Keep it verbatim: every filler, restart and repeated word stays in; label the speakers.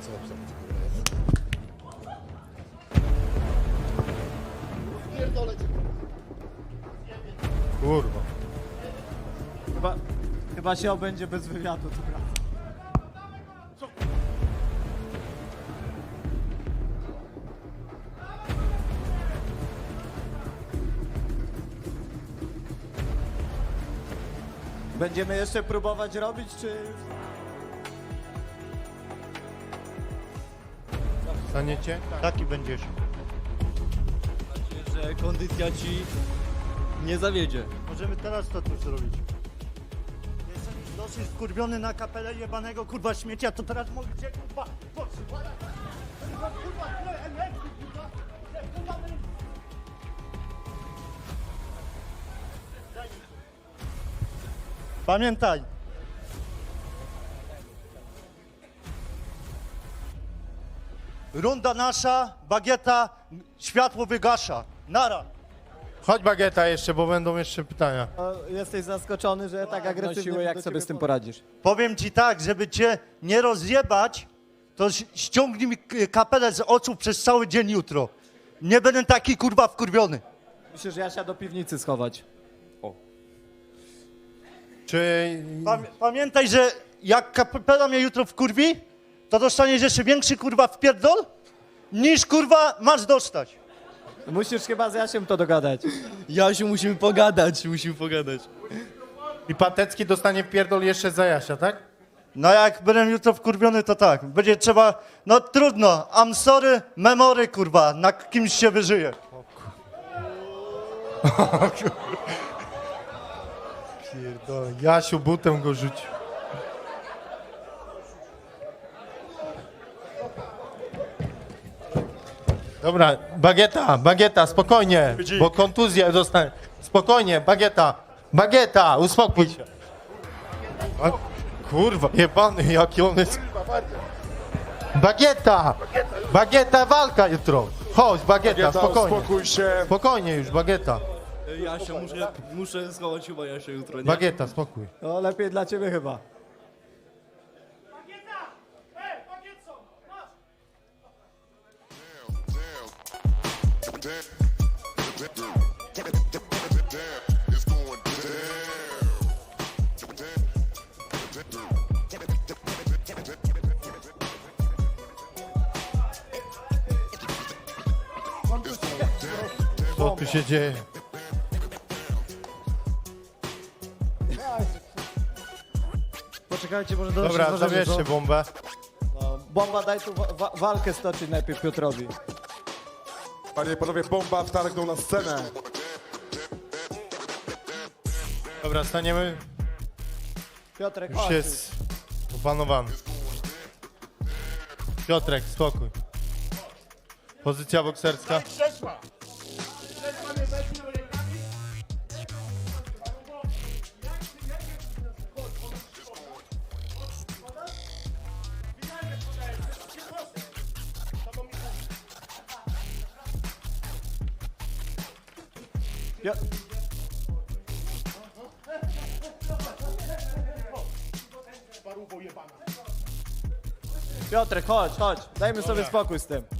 Speaker 1: co
Speaker 2: Kurwa.
Speaker 3: Chyba, chyba się obędzie bez wywiadu, to prawda. Będziemy jeszcze próbować robić, czy...
Speaker 2: Staniecie? Taki będziesz.
Speaker 4: Że kondycja ci nie zawiedzie.
Speaker 5: Możemy teraz to tu zrobić. Jestem już dosyć skurwiony na kapelę jebanego kurwa śmiecia, to teraz mogę cię kurwa potrzymać. Kurwa, kurwa, tyle energii, kurwa. Tyle, kurwa, energii. Daj mi to. Pamiętaj. Runda nasza, bagieta, światło wygasza. Nara.
Speaker 2: Chodź Bagieta jeszcze, bo będą jeszcze pytania.
Speaker 3: O, jesteś zaskoczony, że tak agresywnie...
Speaker 4: siłę, jak
Speaker 3: do
Speaker 4: sobie
Speaker 3: ciebie
Speaker 4: z tym
Speaker 3: podchodzę.
Speaker 4: poradzisz?
Speaker 5: Powiem ci tak, żeby cię nie rozjebać, to ś- ściągnij mi k- kapelę z oczu przez cały dzień jutro. Nie będę taki kurwa wkurwiony.
Speaker 3: Myślę, że ja się do piwnicy schować.
Speaker 2: Czy...
Speaker 5: Pam- pamiętaj, że jak kapela mnie jutro wkurwi, to dostaniesz jeszcze większy kurwa wpierdol, niż kurwa masz dostać.
Speaker 3: Musisz chyba z Jasiem to dogadać.
Speaker 4: Jasiu, musimy pogadać, musimy pogadać.
Speaker 2: I Patecki dostanie wpierdol jeszcze za Jasia, tak?
Speaker 5: No jak będę jutro wkurwiony, to tak. Będzie trzeba, no trudno, I'm sorry, memory kurwa, na kimś się wyżyje.
Speaker 2: Pierdolę. Jasiu butem go rzucił. Dobra, Bagieta, Bagieta, spokojnie, bo kontuzja dostanie. Spokojnie, Bagieta, Bagieta, uspokój się. A, kurwa, jebany, jaki on jest. Bagieta, Bagieta, walka jutro. Chodź, Bagieta, spokojnie.
Speaker 1: Spokój się.
Speaker 2: Spokojnie już, Bagieta.
Speaker 4: Jasia, muszę, muszę schować chyba Jasia jutro, nie?
Speaker 2: Bagieta, spokój.
Speaker 3: No lepiej dla ciebie chyba.
Speaker 2: Co tu się dzieje?
Speaker 3: Poczekajcie, może do
Speaker 2: Dobra,
Speaker 3: się zważymy,
Speaker 2: zabierzcie
Speaker 3: co?
Speaker 2: bombę.
Speaker 3: No, bomba, daj tu wa wa walkę stoczyć najpierw Piotrowi.
Speaker 1: Panie i panowie, bomba wtargnął na scenę.
Speaker 2: Dobra, staniemy.
Speaker 3: Piotrek,
Speaker 2: Już
Speaker 3: chodź.
Speaker 2: jest opanowany. Piotrek, spokój. Pozycja bokserska.
Speaker 3: Pio Piotrek, chodź, chodź. Dajmy sobie spokój z tym.